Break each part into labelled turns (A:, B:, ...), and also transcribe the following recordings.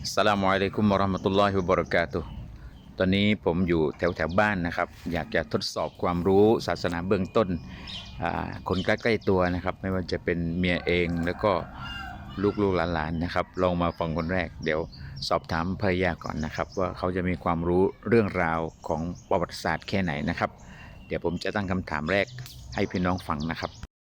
A: อัสสลามุอะลัยกุมวะเราะห์มะตุลลอฮิวะบะเราะกาตุฮ์ตอนนี้ผมอยู่แถวบ้านนะครับอยากจะทดสอบความรู้ศาสนาเบื้องต้นคนใกล้ๆตัวนะครับไม่ว่าจะเป็นเมียเองแล้วก็ลูกๆหลานๆนะครับลองมาฟังคนแรกเดี๋ยวสอบถามภรรยาก่อนนะครับว่าเขาจะมีความรู้เรื่องราวของประวัติศาสตร์แค่ไหนนะครับเดี๋ยวผมจะตั้งคำถามแรกให้พี่น้องฟังนะครับ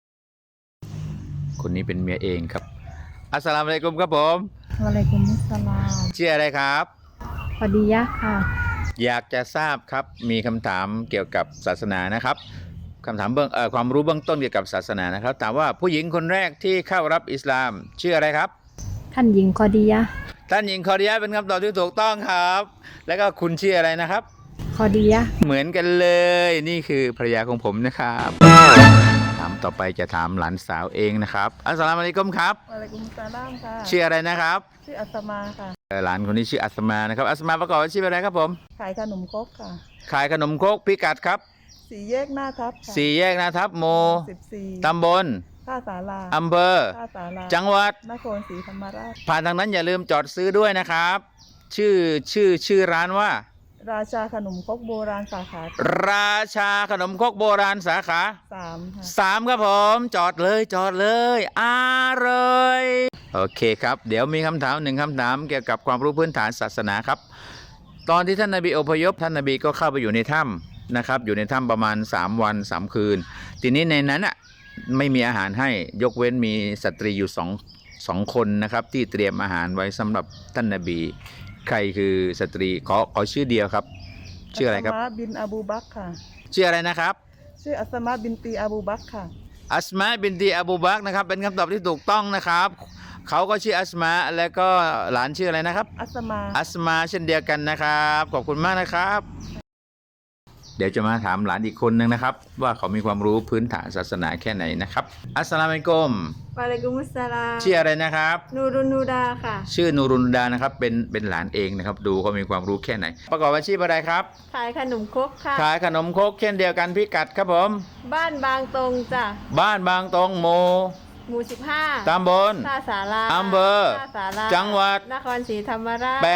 A: คนนี้เป็นเมียเองครับอัสสลามุอะลัยกุมครับผม
B: วะอะลัยกุมุสสลาม
A: ชื่ออะไรครับ
B: พอดียะค่ะ
A: อยากจะทราบครับมีคำถามเกี่ยวกับศาสนานะครับคำถามความรู้เบื้องต้นเกี่ยวกับศาสนานะครับถามว่าผู้หญิงคนแรกที่เข้ารับอิสลามชื่ออะไรครับ
B: ท่านหญิงคอดียะ
A: ท่านหญิงคอดียะเป็นคำตอบที่ถูกต้องครับแล้วก็คุณชื่ออะไรนะครับ
B: คอดียะ
A: เหมือนกันเลยนี่คือภรรยาของผมนะครับถามต่อไปจะถามหลานสาวเองนะครับอัสสลามุอะลัยกุมครับ
B: วะอะลัยกุมุสสลามค่ะ
A: ชื่ออะไรนะครับ
B: ชื่ออัสมาค่ะ
A: หลานคนนี้ชื่ออัสมานะครับอัสมาประกอบอาชีพอะไรครับผม
B: ขายขนมครกค่ะ
A: ขายขนมครกพิกัดครับ
B: สี่แยกหน้าทับค่ะ
A: สี่แยกนาทับโม
B: 14
A: ตำบล
B: ท่าสารา
A: อำเภอ
B: ท่าสารา
A: จังหวัด
B: นครศรีธรรมราช
A: ผ่านทางนั้นอย่าลืมจอดซื้อด้วยนะครับชื่อร้านว่า
B: ราชาขนมครกโบราณสาขา
A: ราชาขนมครกโบราณสาขา
B: 3ค่ะ
A: 3ครับผมจอดเลยอร่อยโอเคครับเดี๋ยวมีคำถาม1คำถามเกี่ยวกับความรู้พื้นฐานศาสนาครับตอนที่ท่านนบีอพยพท่านนบีก็เข้าไปอยู่ในถ้ำนะครับอยู่ในถ้ำประมาณ3วัน3คืนทีนี้ในนั้นไม่มีอาหารให้ยกเว้นมีสตรีอยู่สองคนนะครับที่เตรียมอาหารไว้สำหรับท่านนบีใครคือสตรีขอชื่อเดียวครับชื่ออะไรครับ
B: อัสมาบินอบูบักค่ะ
A: ชื่ออะไรนะครับ
B: ชื่ออัสมาบินตีอบูบักค่ะ
A: อัสมาบินตีอบูบักนะครับเป็นคำตอบที่ถูกต้องนะครับเขาก็ชื่ออัสมาแล้วก็หลานชื่ออะไรนะครับอัสมาเช่นเดียวกันนะครับขอบคุณมากนะครับเดี๋ยวจะมาถามหลานอีกคนนึงนะครับว่าเขามีความรู้พื้นฐานศาสนาแค่ไหนนะครับอัสสลามุอะลัยกุม
B: วะอะลัยกุมุสสลาม
A: ชื่ออะไรนะครับ
B: นูรุนนูดาค่ะ
A: ชื่อนูรุนดานะครับเป็นหลานเองนะครับดูเขามีความรู้แค่ไหนประกอบอาชีพอะไรครับ
B: ขายขนมครกค่ะ
A: ขายขนมครกเช่นเดียวกันพิกัดครับผม
B: บ้านบางตรงจ้ะ
A: บ้านบางตรงหมู่
B: 15
A: ตำบล
B: ท่าสารา
A: อำเภอ
B: ท่าสารา
A: จังหวัด
B: นครศรีธรรมราช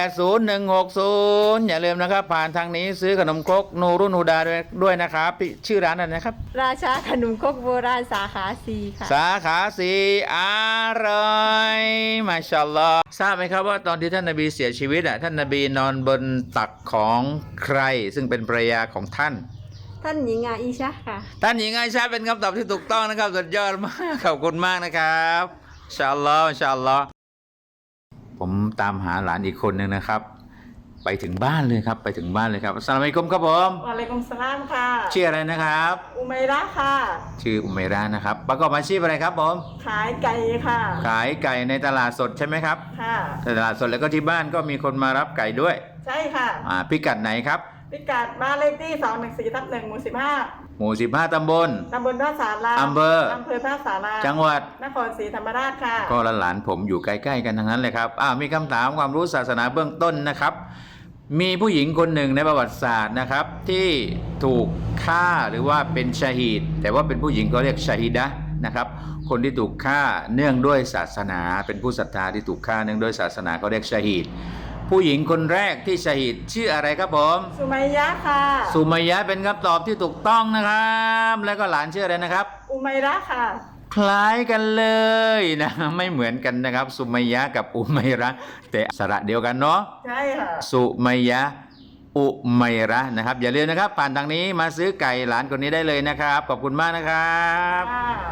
A: 80160อย่าลืมนะครับผ่านทางนี้ซื้อขนมครกนูรุนูดาด้วยนะครับชื่อร้านอะไรนะครับ
B: ราชาขนมครกโบราณสาขา4ค่ะ
A: สาขา4อร่อยมาชาอัลลอฮ์ทราบไหมครับว่าตอนที่ท่านนบีเสียชีวิตท่านนบีนอนบนตักของใครซึ่งเป็นภรรยาของท่าน
B: หญิงอาอิชะค่ะ
A: ท่านหญิงอาอิชะเป็นคำตอบที่ถูกต้องนะครับสุดยอดมากขอบคุณมากนะครับอินชาอัลลอฮ์อินชาอัลลอฮ์ผมตามหาหลานอีกคนหนึ่งนะครับไปถึงบ้านเลยครับไปถึงบ้านเลยครับอัสสลามุอะลัยกุมครับผม
B: วะอะลัยกุมสลามค่ะ
A: ชื่ออะไรนะครับ
B: อุมัยระค่ะ
A: ชื่ออุมัยระนะครับประกอบอาชีพอะไรครับผม
B: ขายไก่ค่ะ
A: ขายไก่ในตลาดสดใช่ไหมครับ
B: ค่ะ
A: ตลาดสดแล้วก็ที่บ้านก็มีคนมารับไก่ด้วย
B: ใช่ค่ะ
A: พิกัดไหนครับ
B: พิกัดบ้านเลขที่214/1หมู่
A: 15ตำบล
B: ท่าสารา
A: อำเภอ
B: ท่าสารา
A: จังหวัด
B: นครศรีธรรมราชค่ะ
A: ก็หลานผมอยู่ใกล้ๆกันทั้งนั้นเลยครับมีคำถามความรู้ศาสนาเบื้องต้นนะครับมีผู้หญิงคนหนึ่งในประวัติศาสตร์นะครับที่ถูกฆ่าหรือว่าเป็นชาฮีดแต่ว่าเป็นผู้หญิงก็เรียกชาฮีดะนะครับคนที่ถูกฆ่าเนื่องด้วยศาสนาเป็นผู้ศรัทธาที่ถูกฆ่าเนื่องด้วยศาสนาก็เรียกชาฮีดผู้หญิงคนแรกที่ชาฮีดชื่ออะไรครับผม
B: สุมัยยะค่ะ
A: สุมัยยะเป็นคำตอบที่ถูกต้องนะครับแล้วก็หลานชื่ออะไรนะครับ
B: อุมัยระค่ะ
A: คล้ายกันเลยนะไม่เหมือนกันนะครับสุมัยยะกับอุมัยระแต่สระเดียวกันเนาะ
B: ใช่ค่ะ
A: สุมัยยะอุมัยระนะครับอย่าลืมนะครับผ่านทางนี้มาซื้อไก่หลานคนนี้ได้เลยนะครับขอบคุณมากนะครับ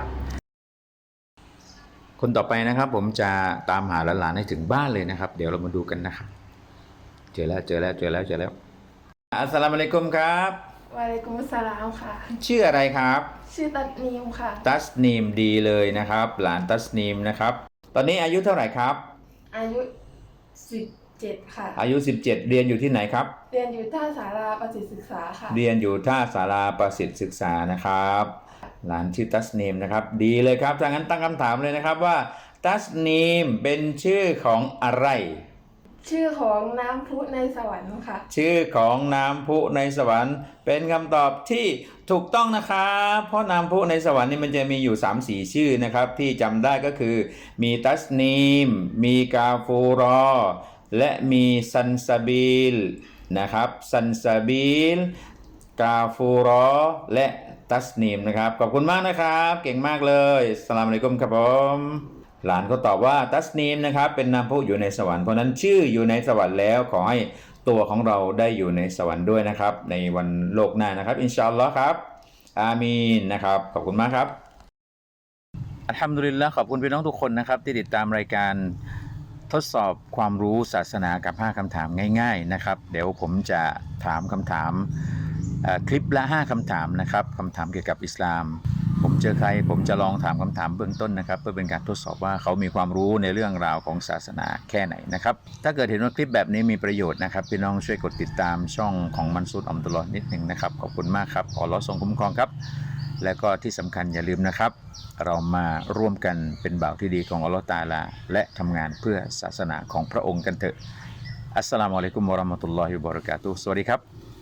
A: คนต่อไปนะครับผมจะตามหาหลานให้ถึงบ้านเลยนะครับเดี๋ยวเรามาดูกันนะครับเจอแล้วอัสสลามุอะลัยกุมครับ
C: วะอะลัยกุมุสสลามค่ะ
A: ชื่ออะไรครับ
C: ชื่อตัสนีมค่ะ
A: ตัสนีมดีเลยนะครับหลานตัสนีมนะครับตอนนี้อายุเท่าไหร่ครับ
C: อายุ17ค่ะ
A: อายุ17เรียนอยู่ที่ไหนครับ
C: เรียนอยู่ท่าสาราประสิทธิศึกษาค่ะ
A: เรียนอยู่ท่าสาราประสิทธิศึกษานะครับหลานชื่อตัสนีมนะครับดีเลยครับถ้างั้นตั้งคำถามเลยนะครับว่าตัสนีมเป็นชื่อของอะไร
C: ชื่อของน้ำพุในสวรรค์ค่ะ
A: ชื่อของน้ำพุในสวรรค์เป็นคำตอบที่ถูกต้องนะครับเพราะน้ำพุในสวรรค์นี่มันจะมีอยู่ 3-4 ชื่อนะครับที่จำได้ก็คือมีตัสนีมมีกาฟูรอและมีซันซาบิลนะครับซันซาบิลกาฟูรอและตัสนีมนะครับขอบคุณมากนะครับเก่งมากเลยอัสสลามุอะลัยกุมครับผมหลานก็ตอบว่าตัสนีมนะครับเป็นนามผู้อยู่ในสวรรค์เพราะนั้นชื่ออยู่ในสวรรค์แล้วขอให้ตัวของเราได้อยู่ในสวรรค์ด้วยนะครับในวันโลกหน้านะครับอินชาอัลลอฮ์ครับอามีนนะครับขอบคุณมากครับอัลฮัมดุลิลละห์ขอบคุณพี่น้องทุกคนนะครับที่ติดตามรายการทดสอบความรู้ศาสนากับ5คำถามง่ายๆนะครับเดี๋ยวผมจะถามคำถามคลิปละ5คำถามนะครับคำถามเกี่ยวกับอิสลามผมเจอใครผมจะลองถามคำถามเบื้องต้นนะครับเพื่อเป็นการทดสอบว่าเขามีความรู้ในเรื่องราวของศาสนาแค่ไหนนะครับถ้าเกิดเห็นว่าคลิปแบบนี้มีประโยชน์นะครับพี่น้องช่วยกดติดตามช่องของมันซูดอัมดุลลอฮ์นิดหนึ่งนะครับขอบคุณมากครับขออัลเลาะห์ทรงคุ้มครองครับและก็ที่สำคัญอย่าลืมนะครับเรามาร่วมกันเป็นบ่าวที่ดีของอัลเลาะห์ตะอาลาและทำงานเพื่อศาสนาของพระองค์กันเถอะอัสสลามุอะลัยกุมวะเราะห์มะตุลลอฮิวะบะเราะกาตุฮ์สวัสดีครับ